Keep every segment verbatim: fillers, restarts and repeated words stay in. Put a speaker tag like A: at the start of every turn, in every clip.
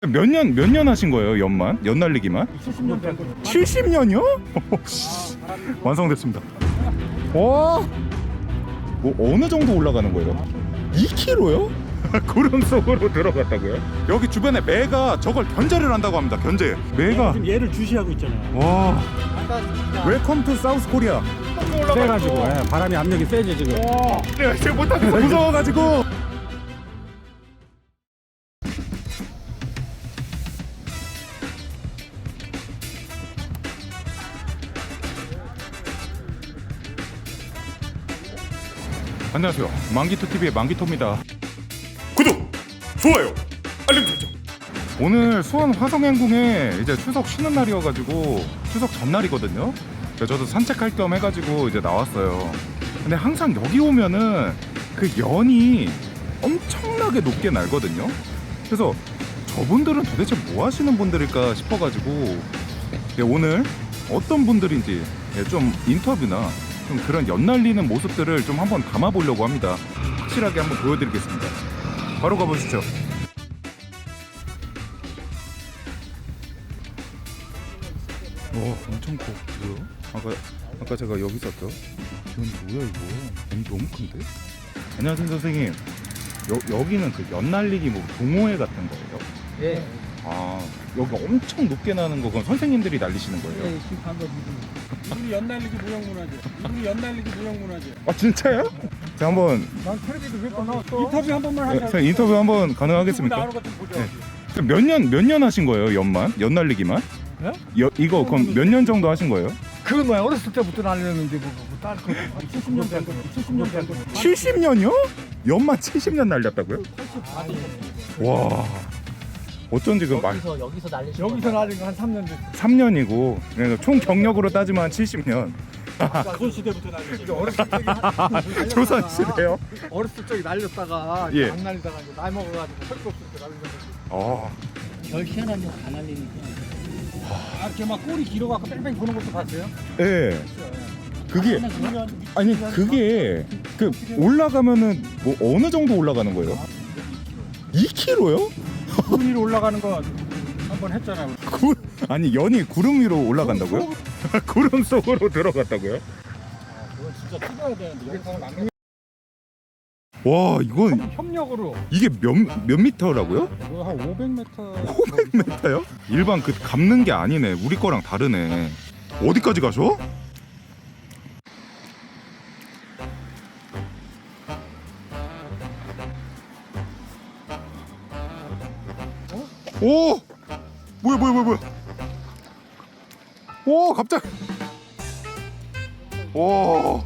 A: 몇 년, 몇 년 하신 거예요, 연만? 연 날리기만?
B: 칠십 년 된 거.
A: 칠십 년이요? 완성됐습니다. 와, 뭐 어느 정도 올라가는 거예요? 이 킬로그램요? 구름 속으로 들어갔다고요? 여기 주변에 매가 저걸 견제를 한다고 합니다. 견제. 매가.
B: 지금 얘를 주시하고 있잖아요.
A: 와. 웰컴 투 사우스 코리아.
B: 세가지고 예, 바람이 압력이 세지 지금.
A: 내가 지금 못하겠어. 무서워가지고. 안녕하세요. 만기토티비의 만기토입니다. 구독, 좋아요, 알림 설정. 오늘 수원 화성행궁에 이제 추석 쉬는 날이어가지고 추석 전날이거든요. 그래서 저도 산책할 겸 해가지고 이제 나왔어요. 근데 항상 여기 오면은 그 연이 엄청나게 높게 날거든요. 그래서 저분들은 도대체 뭐 하시는 분들일까 싶어가지고 오늘 어떤 분들인지 좀 인터뷰나 좀 그런 연 날리는 모습들을 좀 한번 담아보려고 합니다. 확실하게 한번 보여드리겠습니다. 바로 가보시죠. 와, 엄청 커. 뭐야? 아까 아까 제가 여기 있었죠? 이건 뭐야 이거? 너무 너무 큰데? 안녕하세요 선생님. 여, 여기는 그 연 날리기 뭐 동호회 같은 거예요?
C: 예.
A: 아, 여기 엄청 높게 나는 거 그건 선생님들이 날리시는 거예요?
C: 예, 심판 거
B: 우리 연날리기 무형문화재. 우리 연날리기 무형문화재.
A: 아 진짜요? 자 한번
B: 난 텔레비도 몇 번 나왔어. 인터뷰 한 번만
A: 네,
B: 하자.
A: 선생님 인터뷰 한번 가능하겠습니까?
B: 나오는 것좀 보자.
A: 네. 몇 년 몇 년 하신 거예요? 연만? 연 날리기만?
B: 네?
A: 여, 이거 그럼 몇 년 정도 하신 거예요?
C: 그건 뭐야 어렸을 때부터 날렸는데 뭐, 뭐, 딸 거.
B: 칠십 년 된 거. 칠십 년 된 거.
A: 칠십 년이요? 연만 칠십 년 날렸다고요? 와, 어쩐지 그 말
C: 여기서 여기서 날리신
B: 여기서 날린 거 한 삼 년 됐어.
A: 삼 년이고 총 경력으로 따지면 한 칠십 년.
B: 조선 시대부터 날렸지.
C: 어렸을 때 날렸다가
A: 조선 시대요?
C: 어렸을 적에 날렸다가
A: 예.
C: 안 날리다가 이제 나이 먹어가지고 할 거 없을 때 날린 거지.
A: 어.
C: 별 희한한 거다 날리니까.
B: 아, 이렇게 막 꼬리 길어갖고 뺑뺑 도는 것도 봤어요?
A: 예. 그게 아니 그게 그 올라가면은 뭐 어느 정도 올라가는 거예요? 이 킬로그램요?
B: 구름 위로 올라가는 거 한번 했잖아. 우리.
A: 구, 아니 연이 구름 위로 올라간다고요? 구름 속으로 들어갔다고요?
B: 그건 진짜 찍어야 되는데 영상을 안
A: 와, 이건
B: 협력으로
A: 이게 몇, 몇 미터라고요?
B: 그거 한 오백 미터.
A: 오백 미터요? 일반 그 감는 게 아니네. 우리 거랑 다르네. 어디까지 가셔? 오! 뭐야 뭐야 뭐야 뭐야. 오, 갑자기. 오.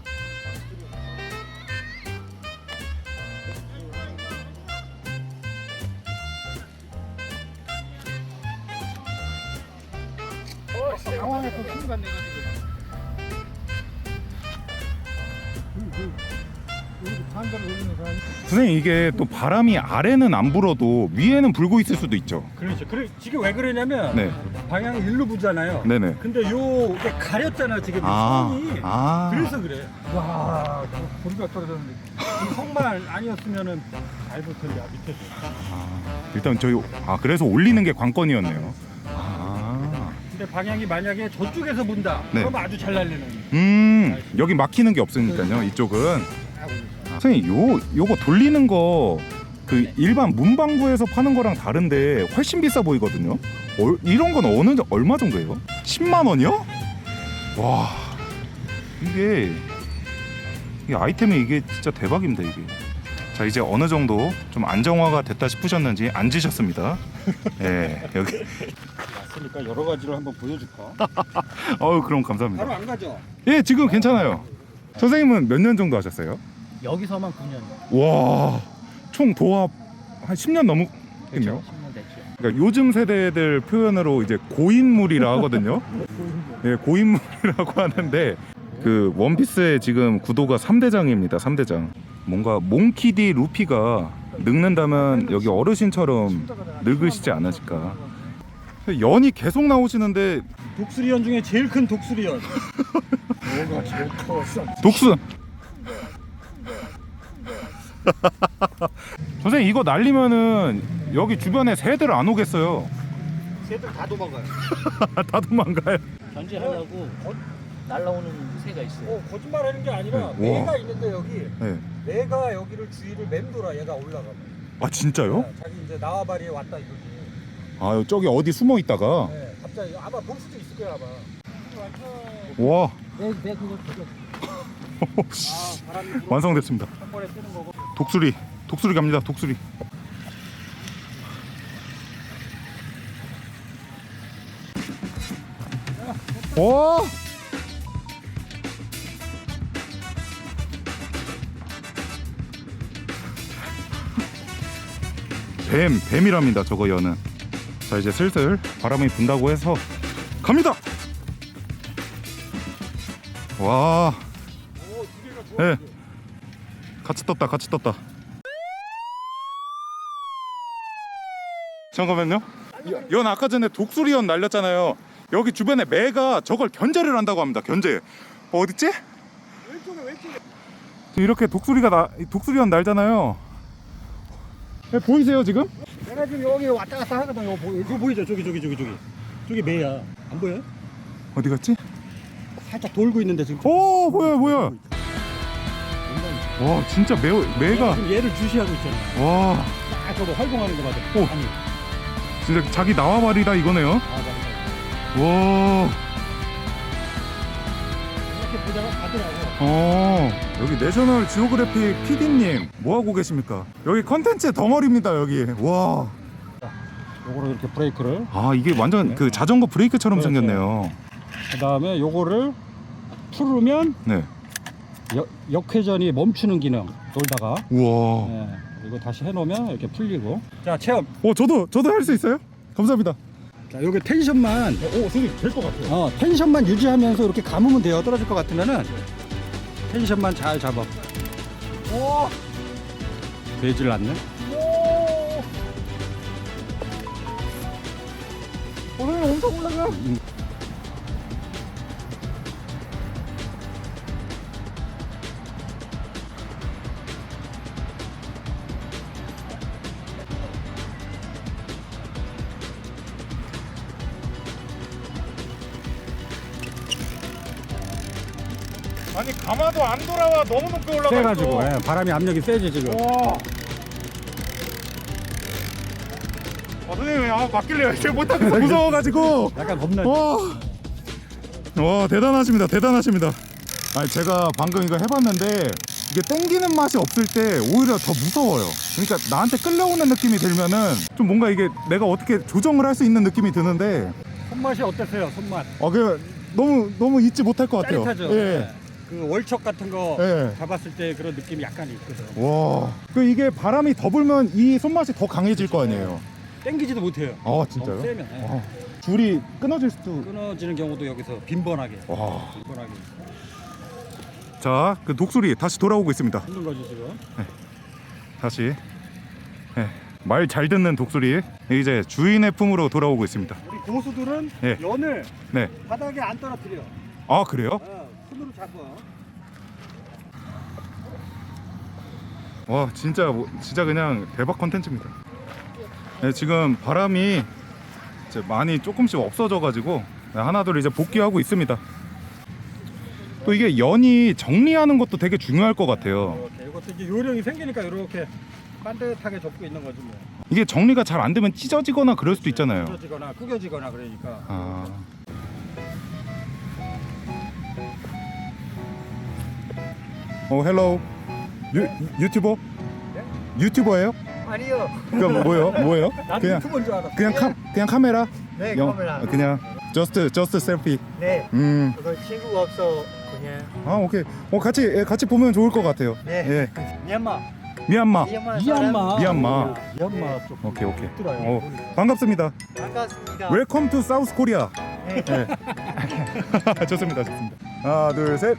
B: 상황에서 순간 내가지고. 반대로 돌리는 사람이.
A: 선생님 이게 또 바람이 아래는 안 불어도 위에는 불고 있을 수도 있죠.
B: 그렇죠. 그래 지금 왜 그러냐면
A: 네.
B: 방향이 일로 부잖아요.
A: 네네.
B: 근데 요 이게 가렸잖아 지금
A: 아,
B: 성이.
A: 아.
B: 그래서 그래. 와, 고리가 떨어졌는데 이 성만 아니었으면은 잘 붙었냐 밑에서.
A: 아, 일단 저희 아 그래서 올리는 게 관건이었네요. 아.
B: 근데 방향이 만약에 저쪽에서 분다.
A: 네.
B: 그럼 아주 잘 날리는.
A: 음, 여기 막히는 게 없으니까요. 이쪽은. 아, 선생님 요 요거 돌리는 거 그 일반 문방구에서 파는 거랑 다른데 훨씬 비싸 보이거든요. 어, 이런 건 어느 정- 얼마 정도예요? 십만 원이요? 와, 이게 이 아이템이 이게 진짜 대박입니다 이게. 자 이제 어느 정도 좀 안정화가 됐다 싶으셨는지 앉으셨습니다. 예, 여기.
B: 왔으니까 여러 가지로 한번 보여줄까?
A: 어우 그럼 감사합니다.
B: 바로 안 가죠?
A: 예, 지금 괜찮아요. 선생님은 몇 년 정도 하셨어요?
C: 여기서만 구 년.
A: 와, 총 도합 한 십 년 넘었겠네요.
C: 십 년 됐죠.
A: 그러니까 요즘 세대들 표현으로 이제 고인물이라 하거든요. 예, 고인물이라고 하는데 그 원피스의 지금 구도가 삼 대장입니다. 삼 대장. 뭔가 몽키디 루피가 늙는다면 여기 어르신처럼 늙으시지 않으실까. 연이 계속 나오시는데
B: 독수리연 중에 제일 큰 독수리연. 뭐가 제일 커?
A: 독수. 선생님 이거 날리면은 여기 주변에 새들 안 오겠어요.
B: 새들 다 도망가요.
A: 다 도망가요.
C: 견제하려고 날라오는 새가 있어요.
B: 어, 거짓말하는 게 아니라
A: 네.
B: 매가
A: 우와.
B: 있는데 여기
A: 네.
B: 매가 여기를 주위를 맴돌아 얘가 올라가.
A: 아 진짜요?
B: 네, 자기 이제 나와바리에 왔다 이거지.
A: 아 저기 어디 숨어 있다가.
B: 네, 갑자기 아마 볼 수도 있을 거야 아마.
A: 와.
C: 내, 내 그거 저거
B: 아, 바람이 불어.
A: 완성됐습니다.
B: 한 번에 뜨는 거고.
A: 독수리, 독수리 갑니다. 독수리. 와! 뱀, 뱀이랍니다. 저거 여는. 자 이제 슬슬 바람이 분다고 해서 갑니다. 와.
B: 오, 두 개가 좋아.
A: 네. 같이 떴다. 같이 떴다. 잠깐만요. 연 아까 전에 독수리연 날렸잖아요. 여기 주변에 매가 저걸 견제를 한다고 합니다. 견제. 어, 어딨지?
B: 왼쪽에 왼쪽에.
A: 이렇게 독수리가 나 독수리연 날잖아요. 네, 보이세요 지금?
B: 내가 지금 여기 왔다 갔다 하거든. 이거, 보, 이거 보이죠? 저기 저기 저기 저기. 저기 매야. 안 보여요?
A: 어디 갔지?
B: 살짝 돌고 있는데 지금.
A: 오 보여 보여. 와 진짜 매 매가
B: 지금 얘를 주시하고 있잖아.
A: 와
B: 딱 저거 활동하는 거 맞아.
A: 오.
B: 아니.
A: 진짜 자기 나와버리다 이거네요.
B: 아, 맞아.
A: 와.
B: 이렇게 보다가 가더라고.
A: 어 여기 내셔널 지오그래픽 피디님 뭐 하고 계십니까? 여기 컨텐츠 덩어리입니다 여기. 와.
B: 요거를 이렇게 브레이크를.
A: 아 이게 완전 그 자전거 브레이크처럼
B: 그렇죠.
A: 생겼네요.
B: 그다음에 요거를 풀으면
A: 네.
B: 역, 역회전이 멈추는 기능. 돌다가.
A: 우와.
B: 네. 이거 다시 해놓으면 이렇게 풀리고. 자 체험.
A: 어 저도 저도 할 수 있어요? 감사합니다.
B: 자 요게 텐션만.
A: 오 선생님 될 것 같아요.
B: 어 텐션만 유지하면서 이렇게 감으면 돼요. 떨어질 것 같으면은 텐션만 잘 잡아. 오. 되질 않네.
A: 오. 선생님 엄청 올라가. 아니 가마도 안 돌아와. 너무 높게 올라가
B: 세가지고
A: 있어.
B: 예, 바람이 압력이 세지 지금.
A: 와. 아, 선생님 아 맡길래요. 제가 못하겠어. 무서워가지고.
B: 약간 겁나.
A: 와. 와 대단하십니다. 대단하십니다. 아니 제가 방금 이거 해봤는데 이게 땡기는 맛이 없을 때 오히려 더 무서워요. 그러니까 나한테 끌려오는 느낌이 들면은 좀 뭔가 이게 내가 어떻게 조정을 할 수 있는 느낌이 드는데
B: 손맛이 어땠어요? 손맛.
A: 아 그 너무 너무 잊지 못할 것 같아요.
B: 짜릿하죠.
A: 예.
B: 네. 그 월척 같은 거
A: 예.
B: 잡았을 때 그런 느낌이 약간 있거든.
A: 와. 그 이게 바람이 더 불면 이 손맛이 더 강해질 거 아니에요.
B: 땡기지도 못해요.
A: 아 진짜요?
B: 너무 세면. 예.
A: 와. 줄이 끊어질 수도.
B: 끊어지는 경우도 여기서 빈번하게.
A: 와.
B: 빈번하게.
A: 자, 그 독수리 다시 돌아오고 있습니다.
B: 힘든 거지 지금.
A: 다시 네, 말 잘 듣는 독수리 이제 주인의 품으로 돌아오고 있습니다.
B: 우리 고수들은
A: 예.
B: 연을
A: 네.
B: 바닥에 안 떨어뜨려.
A: 아 그래요?
B: 어, 손으로 잡아.
A: 와 진짜 뭐, 진짜 그냥 대박 컨텐츠입니다. 네, 지금 바람이 이제 많이 조금씩 없어져가지고 네, 하나둘 이제 복귀하고 있습니다. 또 이게 연이 정리하는 것도 되게 중요할 것 같아요.
B: 이렇게 이것도 이제 요령이 생기니까 이렇게 반듯하게 접고 있는 거지 뭐.
A: 이게 정리가 잘 안 되면 찢어지거나 그럴 수도 있잖아요.
B: 찢어지거나 구겨지거나 그러니까.
A: 아. 어 헬로 유 유튜버? 유튜버예요?
B: 아니요.
A: 그럼 뭐예요? 뭐예요?
B: 나도
A: 그냥
B: 유튜버인 줄 알았어.
A: 그냥 카 그냥 카메라?
D: 네,
A: 영-
D: 카메라.
A: 어, 그냥 just just 셀피.
D: 네,
A: 음.
D: 그거 친구가 없어 그냥.
A: 아 오케이. 어 같이 예, 같이 보면 좋을 것 같아요.
D: 네.
A: 예.
D: 미얀마.
A: 미얀마.
D: 미얀마.
B: 미얀마.
A: 미얀마.
B: 미얀마 쪽.
A: 오케이 오케이.
B: 들어요.
A: 어 반갑습니다.
D: 반갑습니다.
A: 웰컴 투 사우스 코리아.
D: 네.
A: 네. 좋습니다 좋습니다. 하나 둘 셋.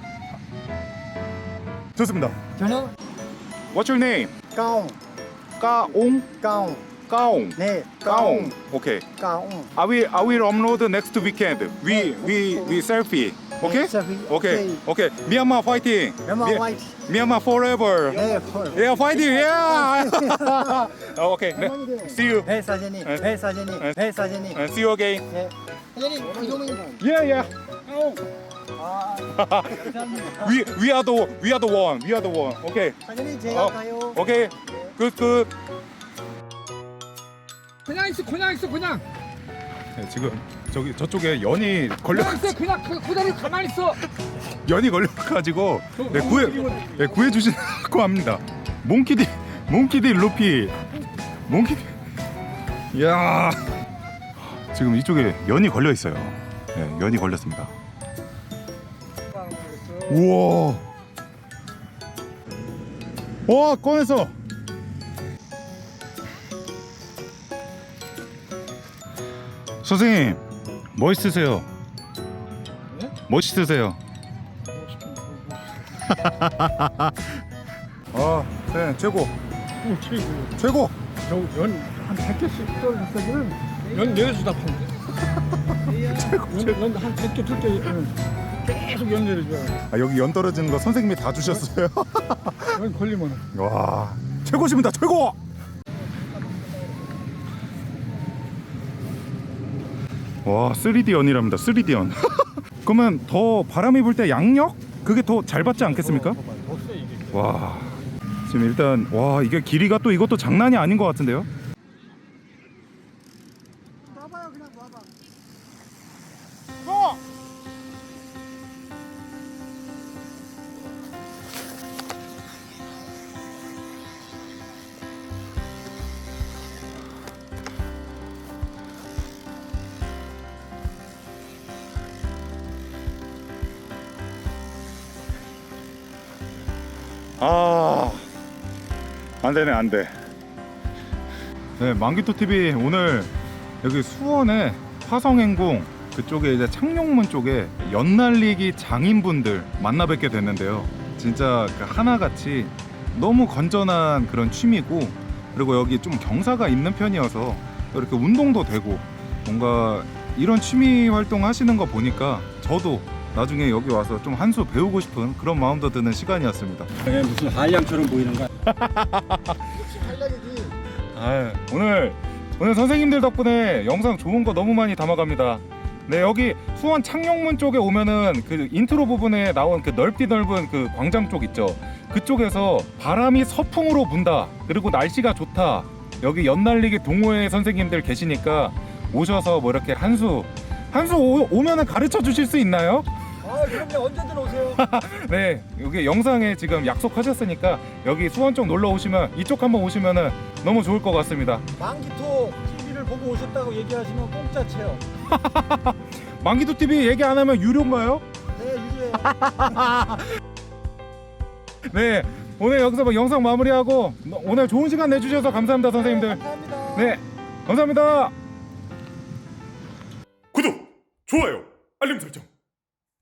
A: 좋습니다.
D: 저는
A: What's your name?
D: 까옹,
A: 까옹.
D: 까옹.
A: Kaung.
D: 네,
A: Kaung. Okay.
D: 까옹.
A: I will I will upload next weekend. We we we selfie. Okay?
D: selfie.
A: Okay. Okay. Myanmar fighting.
D: Myanmar
A: Mi-
D: fight.
A: Myanmar forever.
D: 네, 펄.
A: Yeah, fighting. Yeah. Oh, okay. 네. See you.
D: 배 사진이,
A: 네.
D: 배 사진이,
A: 네.
D: 배 사진이.
A: And see you again.
D: 네. 사진이 이동이.
A: Yeah, yeah.
D: 아,
A: We we are the we are the one. We are the one. Okay.
D: 사진이 제가
A: 어.
D: 가요.
A: Okay. Good, good.
E: 그냥 있어 그냥 있어 그냥
A: 네, 지금 저기 저쪽에 연이 걸려
E: 그냥 있어 그냥 그 그대로 가만히 있어.
A: 연이 걸려가지고 네, 구해 네, 구해 주시라고 합니다. 몽키디 몽키디 루피 몽키디. 야 지금 이쪽에 연이 걸려 있어요. 네, 연이 걸렸습니다. 우와. 와 꺼냈어. 선생님 멋있으세요.
E: 네?
A: 멋있으세요. 아, 네 최고
E: 최고.
A: 최고.
E: 저연한 백 개씩 떨어졌으면 연 내려주다 판대. 연한 백 개 둘 개 계속 연 내려줘.
A: 아, 여기 연 떨어지는 거 선생님이 다 주셨어요.
E: 연 걸리면.
A: 와 최고십니다 최고. 와 쓰리디 연이랍니다. 쓰리디 연. 그러면 더 바람이 불 때 양력 그게 더 잘 받지 않겠습니까? 와 지금 일단 와 이게 길이가 또 이것도 장난이 아닌 것 같은데요.
D: 와봐요, 그냥 와봐.
A: 아 안되네 안돼. 네 만기토 티비 오늘 여기 수원의 화성행궁 그쪽에 이제 창룡문 쪽에 연날리기 장인분들 만나 뵙게 됐는데요. 진짜 그 하나같이 너무 건전한 그런 취미고, 그리고 여기 좀 경사가 있는 편이어서 이렇게 운동도 되고 뭔가 이런 취미 활동 하시는 거 보니까 저도 나중에 여기 와서 좀 한 수 배우고 싶은 그런 마음도 드는 시간이었습니다.
B: 이게 무슨 한량처럼 보이는 거야?
D: 한량이지.
A: 아, 오늘 오늘 선생님들 덕분에 영상 좋은 거 너무 많이 담아갑니다. 네 여기 수원 창룡문 쪽에 오면은 그 인트로 부분에 나온 그 넓디 넓은 그 광장 쪽 있죠. 그쪽에서 바람이 서풍으로 분다. 그리고 날씨가 좋다. 여기 연날리기 동호회 선생님들 계시니까 오셔서 뭐 이렇게 한수 한수 오면은 가르쳐 주실 수 있나요?
E: 아 그럼요 언제든 오세요.
A: 네 여기 영상에 지금 약속하셨으니까 여기 수원 쪽 놀러 오시면 이쪽 한번 오시면은 너무 좋을 것 같습니다.
E: 만기토 티비를 보고 오셨다고 얘기하시면 공짜 체험.
A: 만기도 티비 얘기 안 하면 유료인가요?
D: 네, 유리해요.
A: 네 오늘 여기서 뭐 영상 마무리하고 오늘 좋은 시간 내주셔서 감사합니다 선생님들.
D: 감사합니다.
A: 네 감사합니다. 구독 좋아요 알림 설정